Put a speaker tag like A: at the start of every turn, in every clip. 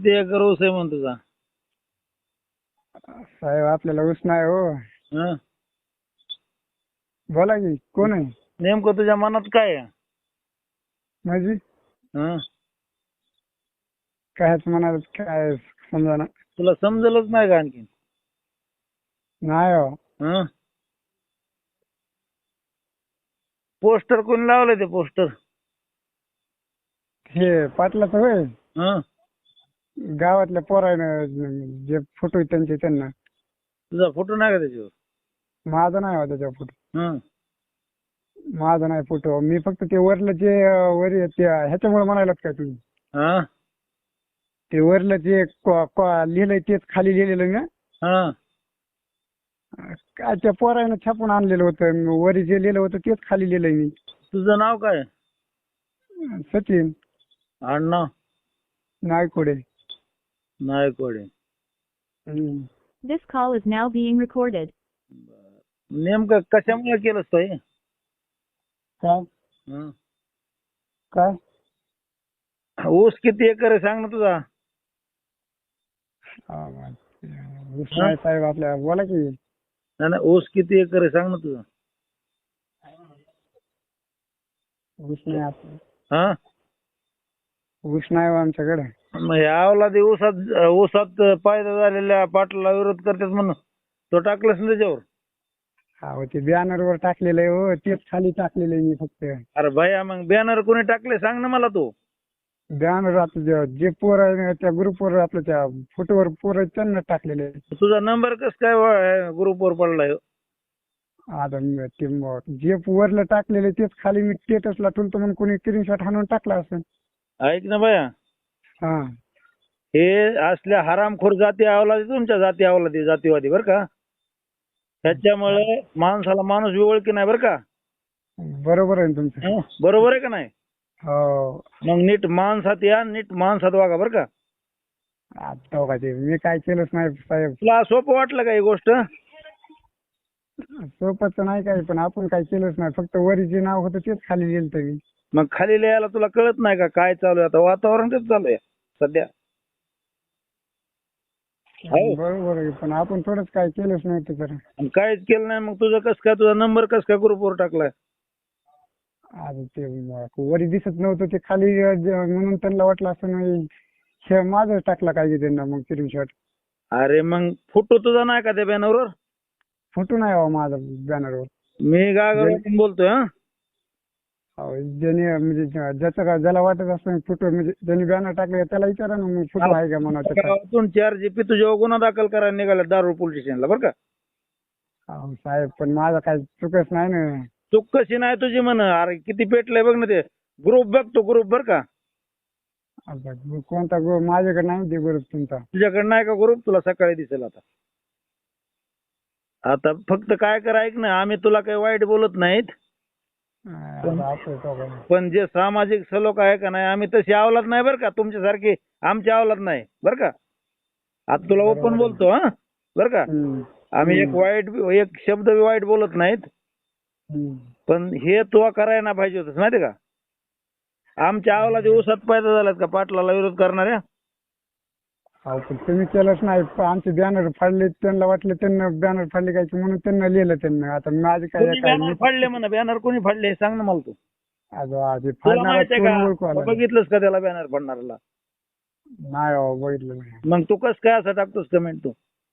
A: किती एकर ऊस आहे म्हणून तुझा?
B: साहेब आपल्याला ऊस नाही हो.
A: हं?
B: बोला की कोण आहे?
A: नेमकं तुझ्या मनात काय आहे?
B: म्हणजे
A: हं?
B: कायच म्हणाल काय समजा
A: तुला समजलंच नाही का आणखी?
B: नाही हो.
A: हं? पोस्टर कोणी लावलंय ते पोस्टर?
B: हे पाटलाचं होय.
A: हं?
B: गावातल्या पोरानं जे फोटो आहेत त्यांचे त्यांना.
A: तुझा फोटो नाही का त्याच्यावर?
B: माझा नाही हो त्याच्या फोटो.
A: हं?
B: माझा नाही फोटो. मी फक्त ते वरलं जे वर आहे ते ह्याच्यामुळे म्हणायलात काय तुम्ही?
A: हं?
B: ते वरलं जे लिहिलंय तेच खाली लिहिलेलं ना.
A: हं?
B: काय त्या पोरानं छापून आणलेलं होतं. वरी जे लिहिलं होतं तेच खाली लिहिलंय मी.
A: तुझं नाव काय?
B: सचिन
A: आडनाव?
B: नायकोडे.
A: नायकवाडे.
B: हम्म.
C: This call is now being recorded.
A: नेमकं कशामुळे केलंस तो हे?
B: काय
A: हं?
B: काय
A: ऊस किती एकर आहे सांग ना तुझा?
B: ऊस नाही साहेब आपल्या. बोला की.
A: नाही नाही, ऊस किती एकर आहे सांग ना तुझा?
B: ऊस नाही आपलं.
A: हा?
B: ऊस नाही हो आमच्याकडे.
A: मग ह्या ऊसात फायदा झालेल्या पाटलाला विरोध करतात म्हणून तो टाकलास ना त्याच्यावर?
B: हो ते बॅनरवर टाकलेलं आहे हो. तेच खाली टाकलेलं आहे मी फक्त.
A: अरे भैया मग बॅनर कोणी टाकले सांग ना मला तू.
B: बॅनर आपलं जे पोर आहे त्या ग्रुपवर आपल्या त्या फोटोवर पोर आहेत त्यांना टाकलेले आहे.
A: तुझा नंबर कस काय ग्रुपवर पडलाय?
B: आता ते जे वरलं टाकलेलं आहे तेच खाली मी स्टेटसला ठेवतो म्हणून कोणी स्क्रीनशॉट हाणून टाकला असेल.
A: ऐक ना भैया,
B: हा
A: हे असल्या हरामखोर जाती अवलादी तुमच्या जाती अवलादी जातीवादी बरं का. त्याच्यामुळे माणसाला माणूस ओळखी नाही बरं का.
B: बरोबर आहे ना तुमचं.
A: हं? बरोबर आहे का नाही?
B: हो
A: मग नीट माणसात या, नीट माणसात वागा बरं का.
B: आता का ते मी काय केलंच नाही साहेब.
A: तुला सोपं वाटलं का ही गोष्ट?
B: सोपंच नाही काही पण आपण काय केलंच नाही. फक्त वरी जे नाव होतं तेच खाली लिहिलं मी.
A: मग खाली लिहायला तुला कळत नाही का काय चालू आहे? आता वातावरण कसं चालू आहे सध्या? हो.
B: बरोबर आहे पण आपण थोडंच काय केलंच नव्हतं तर.
A: आणि काहीच केलं नाही मग तुझं कसं काय, तुझा नंबर कसं काय ग्रुपवर टाकलाय?
B: आता ते वरी दिसत नव्हतं ते खाली म्हणून त्यांना वाटलं असं नाही हे माझं टाकला काय की त्यांना मग स्क्रीनशॉट.
A: अरे मग फोटो तुझा नाही का त्या बॅनरवर?
B: फोटो नाही हो माझा बॅनरवर.
A: मी गागावरून बोलतोय. हा?
B: ज्याने म्हणजे ज्याला वाटत असं फोटो म्हणजे ज्यांनी बॅनर टाकले त्याला विचारा ना मग फोटो आहे का म्हणा त्याचा.
A: गावातून 4 GP तुझ्यावर गुन्हा दाखल करायला निघाला दारू पोलीस स्टेशनला बरं का.
B: अहो साहेब पण माझा काय चुकच नाही ना.
A: चूक कशी नाही तुझी म्हण? अरे किती पेटलंय बघ ना ते ग्रुप, बघ तो ग्रुप बरं का.
B: आता कोणता माझ्याकडे नाही ते ग्रुप तुमचा.
A: तुझ्याकडे नाही का ग्रुप? तुला सकाळी दिसेल आता. आता फक्त काय कर, ऐक ना, आम्ही तुला काही वाईट बोलत नाहीत, पण जे सामाजिक सलोख आहे का नाही, आम्ही तशी अवलाद नाही बरं का, तुमच्यासारखी आमची अवलाद नाही बरं का. आता तुला ओपन बोलतो. हा बरं का. आम्ही एक शब्द वाईट बोलत नाहीत, पण हे तू करायला ना पाहिजे होतस माहिती का. आमच्या अवलादी ऊसात पैदा झाल्यात का पाटलाला विरोध करणाऱ्या?
B: पण तुम्ही केलंच नाही. आमचे बॅनर फाडले त्यांना वाटलं त्यांना बॅनर फाडले काय म्हणून त्यांना लिहिलं त्यांना. आता माझे काय
A: बॅनर फाडले म्हणा. बॅनर कोणी फाडले हे सांग ना मला तू. तुला माहिती आहे का? बघितलंस का त्याला बॅनर फाडणाऱ्याला?
B: नाही हो बघितलं नाही.
A: मग तू कसं काय असं टाकतोस कमेंट? तू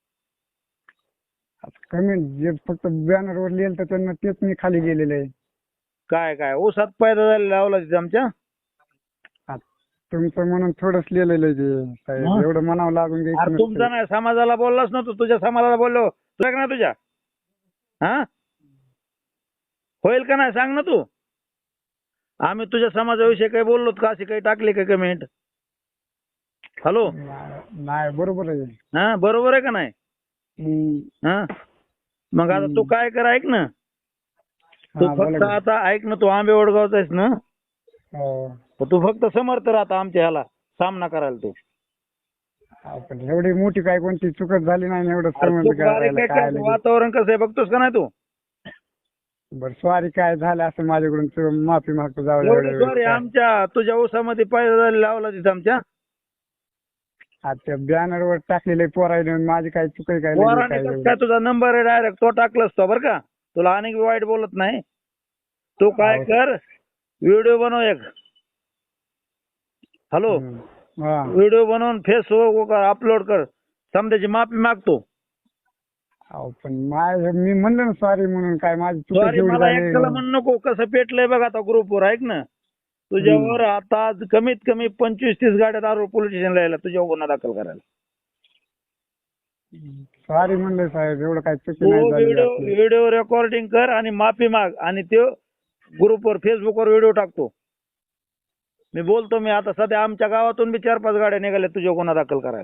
B: कमेंट जे फक्त बॅनरवर लिहिलं तर त्यांना तेच मी खाली लिहिलेलं आहे.
A: काय काय ऊसात पैदा झालेला अवलादी आमच्या?
B: तुमचं म्हणून थोडंच लिहिलेलं आहे ते साहेब. एवढं म्हणावं लागून घ्यायचं.
A: तुमचा नाही, समाजाला बोललास ना तू. तुझ्या समाजाला बोललो तुला का नाही तुझ्या? हा होईल का नाही सांग ना तू. आम्ही तुझ्या समाजाविषयी काही बोललो का? अशी काही टाकली का कमेंट? हॅलो.
B: नाही बरोबर आहे.
A: हा बरोबर आहे का नाही? हा मग आता तू काय कर, ऐक ना, तू फक्त आता ऐक ना, तू आंबे वडगावचा आहेस ना, तू फक्त समर्थ राहता आमच्या ह्याला सामना करायला. तू
B: एवढी मोठी काय कोणती चुकत झाली नाही एवढं समज.
A: वातावरण कसं आहे बघतोस का नाही तू?
B: बरं सॉरी काय झालं असं माझ्याकडून माफी मागतो. जाऊ
A: सॉरी. आमच्या तुझ्या ऊसामध्ये पैदा झालेला अवलादीत आमच्या.
B: आता बॅनरवर टाकलेले पोरायने माझी काय चुक आहे काय नाही
A: पोराने
B: काय
A: कसं काय तुझा नंबर आहे डायरेक्ट तो टाकलास तो बरं का. तुला अनेक वाईट बोलत नाही. तू काय
B: हो.
A: कर व्हिडिओ बनव एक. हॅलो,
B: हा
A: व्हिडिओ बनवून फेसबुक अपलोड कर. समजायची माफी मागतो.
B: अहो, पण मी म्हणलं ना सॉरी म्हणून काय माझी चूक
A: सॉरी
B: जेवढी
A: मला
B: झाली
A: एकट्याला म्हणू नको. कसं पेटलंय बघ आता ग्रुपवर ऐक ना. तुझ्यावर आता आज कमीत कमी 25-30 गाड्या दारू पोलीस स्टेशनला यायला तुझ्यावर गुन्हा दाखल करायला.
B: सॉरी म्हणलं साहेब एवढं काय चुकी
A: तू
B: नाही झाली आपली.
A: व्हिडिओ रेकॉर्डिंग कर आणि माफी माग आणि ते ग्रुपवर फेसबुकवर व्हिडिओ टाकतो. मी बोलतो मी आता सध्या आमच्या गावातून बी 4-5 गाड्या निघाल्या तुझ्या गुन्हा दाखल करायला.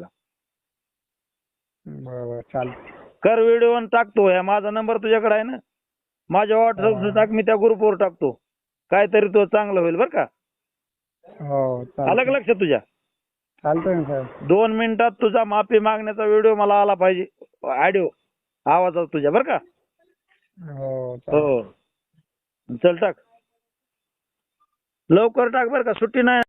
B: बरोबर चालतं.
A: कर व्हिडिओ आणि टाकतो. या माझा नंबर तुझ्याकडे आहे ना. माझ्या व्हॉट्सअप टाक मी त्या ग्रुपवर टाकतो. काहीतरी तो चांगलं होईल बरं का.
B: हो
A: आलं का लक्षात तुझ्या.
B: चालतंय ना साहेब.
A: 2 मिनिटात तुझा माफी मागण्याचा व्हिडिओ मला आला पाहिजे. ऑडिओ आवाजात तुझ्या बरं का.
B: हो चालतंय.
A: हो चल टाक लवकर टाक बरं का. सुट्टी नाही.